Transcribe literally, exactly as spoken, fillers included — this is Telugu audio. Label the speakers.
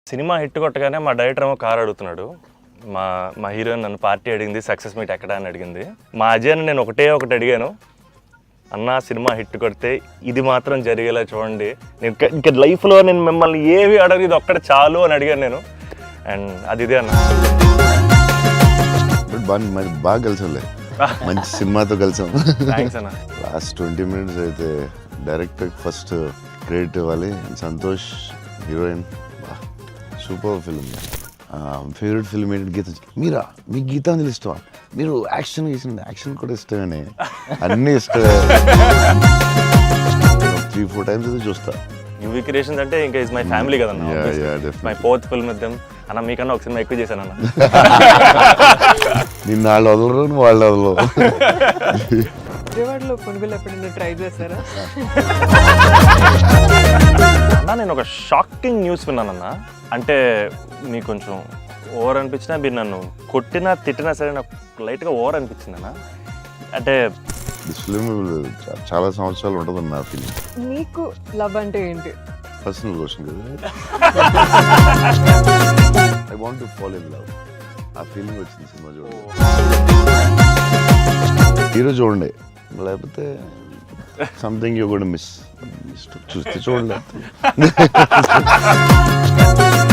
Speaker 1: సినిమా హిట్ కొట్టగానే మా డైరెక్టర్ ఏమో కార్ అడుగుతున్నాడు. మా మా హీరోయిన్ నన్ను పార్టీ అడిగింది, సక్సెస్ మీట్ ఎక్కడ అని అడిగింది. మా అజయ్ని నేను ఒకటే ఒకటి అడిగాను, అన్న సినిమా హిట్ కొడితే ఇది మాత్రం జరిగేలా చూడండి, నేను ఇంకా లైఫ్లో నేను మిమ్మల్ని ఏవి అడగదు, ఇది ఒక్కటి చాలు అని అడిగాను నేను. అండ్ అది ఇదే అన్న.
Speaker 2: బాగా బాగా కలిసాంలే, మంచి సినిమాతో కలిసాం.
Speaker 1: థ్యాంక్స్ అన్న.
Speaker 2: లాస్ట్ ట్వంటీ మినిట్స్ అయితే డైరెక్టర్ ఫస్ట్ క్రెడిట్ ఇవ్వాలి. Santosh heroine, super film. Favourite film ఏంటి? గీత. మీరా? మీకు గీతాంజలి ఇష్టమా? మీరు యాక్షన్ చేసింది, యాక్షన్ కూడా ఇష్టమేనే, అన్నీ ఇష్టమే. త్రీ ఫోర్ టైమ్స్ అయితే చూస్తా.
Speaker 1: యూవీ క్రియేషన్స్ అంటే ఇంకా ఇస్ మై ఫ్యామిలీ కదన్న. My fourth film with them. అన్న మీకన్నా ఒక సినిమా ఎక్కువ చేశాను అన్న.
Speaker 2: నిన్న వాళ్ళు వదలరు, వాళ్ళు వదలరు.
Speaker 3: విజయవాడలో కొనుగోలు ఎప్పుడైనా ట్రై చేశారా?
Speaker 1: అన్న నేను ఒక షాకింగ్ న్యూస్ విన్నానన్న. అంటే మీకు కొంచెం ఓవర్ అనిపించినా, మీరు నన్ను కొట్టినా తిట్టినా సరే నాకు లైట్గా ఓవర్ అనిపించింది అన్న. అంటే
Speaker 2: ఫిల్మ్ చాలా సంవత్సరాలు ఉంటుంది నా ఫిల్మ్.
Speaker 3: మీకు లవ్ అంటే ఏంటి?
Speaker 2: పర్సనల్ క్వశ్చన్ కదా. I want to fall in love. ఆ ఫీలింగ్ వచ్చింది సినిమా చూడండి. హీరో చూడండి, లేకపోతే సంథింగ్ యూ గోనా మిస్. చూస్తే చూడండి.